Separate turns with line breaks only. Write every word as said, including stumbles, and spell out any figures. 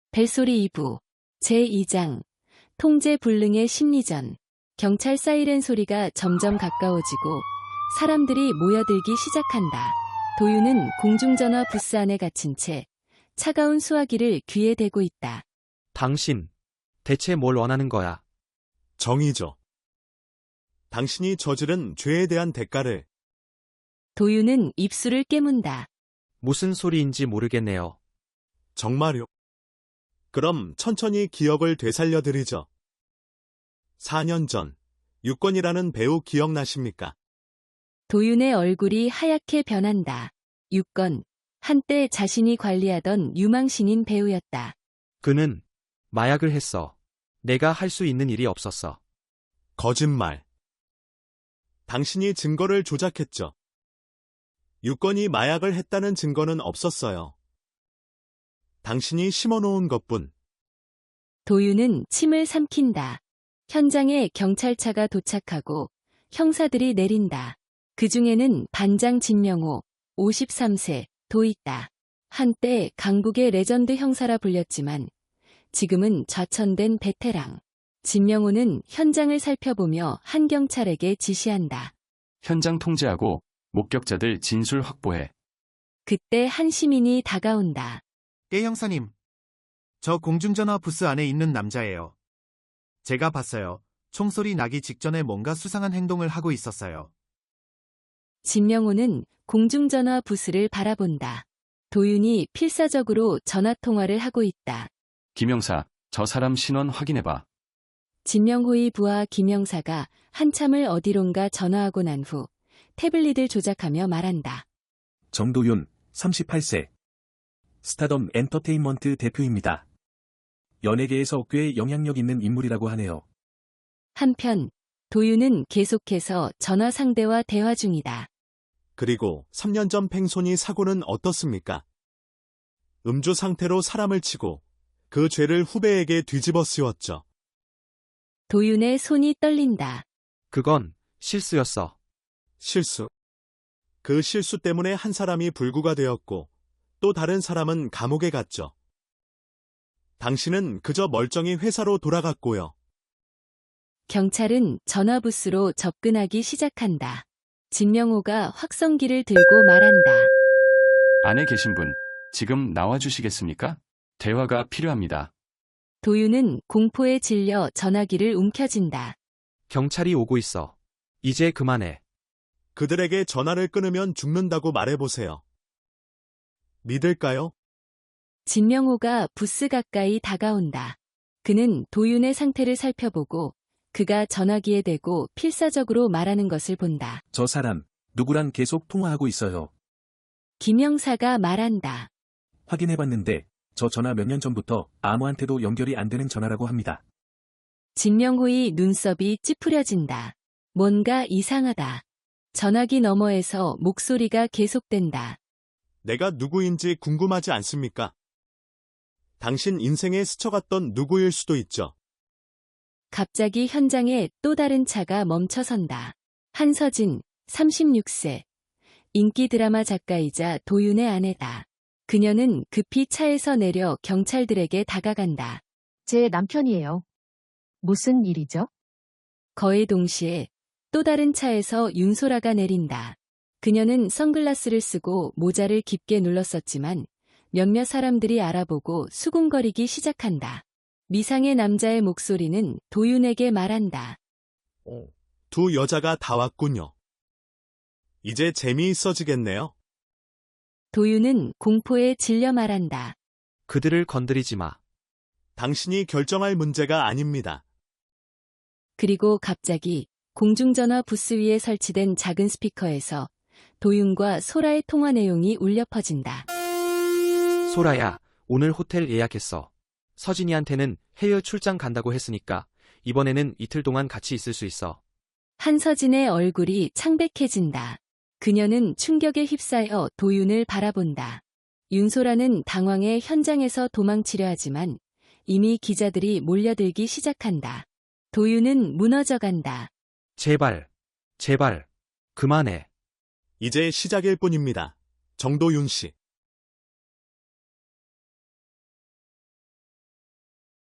벨소리 이 부 제이 장 통제 불능의 심리전. 경찰 사이렌 소리가 점점 가까워지고 사람들이 모여들기 시작한다. 도윤은 공중전화 부스 안에 갇힌 채 차가운 수화기를 귀에 대고 있다.
당신, 대체 뭘 원하는 거야?
정의죠. 당신이 저지른 죄에 대한 대가를.
도윤은 입술을 깨문다.
무슨 소리인지 모르겠네요.
정말요? 그럼 천천히 기억을 되살려드리죠. 사 년 전, 유권이라는 배우 기억나십니까?
도윤의 얼굴이 하얗게 변한다. 유권, 한때 자신이 관리하던 유망신인 배우였다.
그는 마약을 했어. 내가 할 수 있는 일이 없었어.
거짓말. 당신이 증거를 조작했죠. 유권이 마약을 했다는 증거는 없었어요. 당신이 심어놓은 것뿐.
도윤은 침을 삼킨다. 현장에 경찰차가 도착하고 형사들이 내린다. 그 중에는 반장 진명호, 오십삼 세도 있다. 한때 강북의 레전드 형사라 불렸지만 지금은 좌천된 베테랑. 진명호는 현장을 살펴보며 한 경찰에게 지시한다.
현장 통제하고 목격자들 진술 확보해.
그때 한 시민이 다가온다.
예, 형사님. 저 공중전화 부스 안에 있는 남자예요. 제가 봤어요. 총소리 나기 직전에 뭔가 수상한 행동을 하고 있었어요.
진명호는 공중전화 부스를 바라본다. 도윤이 필사적으로 전화통화를 하고 있다.
김영사, 저 사람 신원 확인해봐.
진명호의 부하 김영사가 한참을 어디론가 전화하고 난 후 태블릿을 조작하며 말한다.
정도윤, 삼십팔 세. 스타덤 엔터테인먼트 대표입니다. 연예계에서 꽤 영향력 있는 인물이라고 하네요.
한편 도윤은 계속해서 전화 상대와 대화 중이다.
그리고 삼 년 전 팽손이 사고는 어떻습니까? 음주 상태로 사람을 치고 그 죄를 후배에게 뒤집어 씌웠죠.
도윤의 손이 떨린다.
그건 실수였어.
실수. 그 실수 때문에 한 사람이 불구가 되었고 또 다른 사람은 감옥에 갔죠. 당신은 그저 멀쩡히 회사로 돌아갔고요.
경찰은 전화부스로 접근하기 시작한다. 진명호가 확성기를 들고 말한다.
안에 계신 분, 지금 나와주시겠습니까? 대화가 필요합니다.
도윤은 공포에 질려 전화기를 움켜쥔다.
경찰이 오고 있어. 이제 그만해.
그들에게 전화를 끊으면 죽는다고 말해보세요. 믿을까요?
진명호가 부스 가까이 다가온다. 그는 도윤의 상태를 살펴보고 그가 전화기에 대고 필사적으로 말하는 것을 본다.
저 사람, 누구랑 계속 통화하고 있어요.
김영사가 말한다.
확인해봤는데 저 전화 몇 년 전부터 아무한테도 연결이 안 되는 전화라고 합니다.
진명호의 눈썹이 찌푸려진다. 뭔가 이상하다. 전화기 너머에서 목소리가 계속된다.
내가 누구인지 궁금하지 않습니까? 당신 인생에 스쳐갔던 누구일 수도 있죠.
갑자기 현장에 또 다른 차가 멈춰선다. 한서진, 삼십육 세. 인기 드라마 작가이자 도윤의 아내다. 그녀는 급히 차에서 내려 경찰들에게 다가간다.
제 남편이에요. 무슨 일이죠?
거의 동시에 또 다른 차에서 윤소라가 내린다. 그녀는 선글라스를 쓰고 모자를 깊게 눌렀었지만 몇몇 사람들이 알아보고 수군거리기 시작한다. 미상의 남자의 목소리는 도윤에게 말한다.
두 여자가 다 왔군요. 이제 재미있어지겠네요.
도윤은 공포에 질려 말한다.
그들을 건드리지 마.
당신이 결정할 문제가 아닙니다.
그리고 갑자기 공중전화 부스 위에 설치된 작은 스피커에서 도윤과 소라의 통화 내용이 울려 퍼진다.
소라야, 오늘 호텔 예약했어. 서진이한테는 해외 출장 간다고 했으니까 이번에는 이틀 동안 같이 있을 수 있어.
한서진의 얼굴이 창백해진다. 그녀는 충격에 휩싸여 도윤을 바라본다. 윤소라는 당황해 현장에서 도망치려 하지만 이미 기자들이 몰려들기 시작한다. 도윤은 무너져간다.
제발, 제발, 그만해.
이제 시작일 뿐입니다. 정도윤 씨.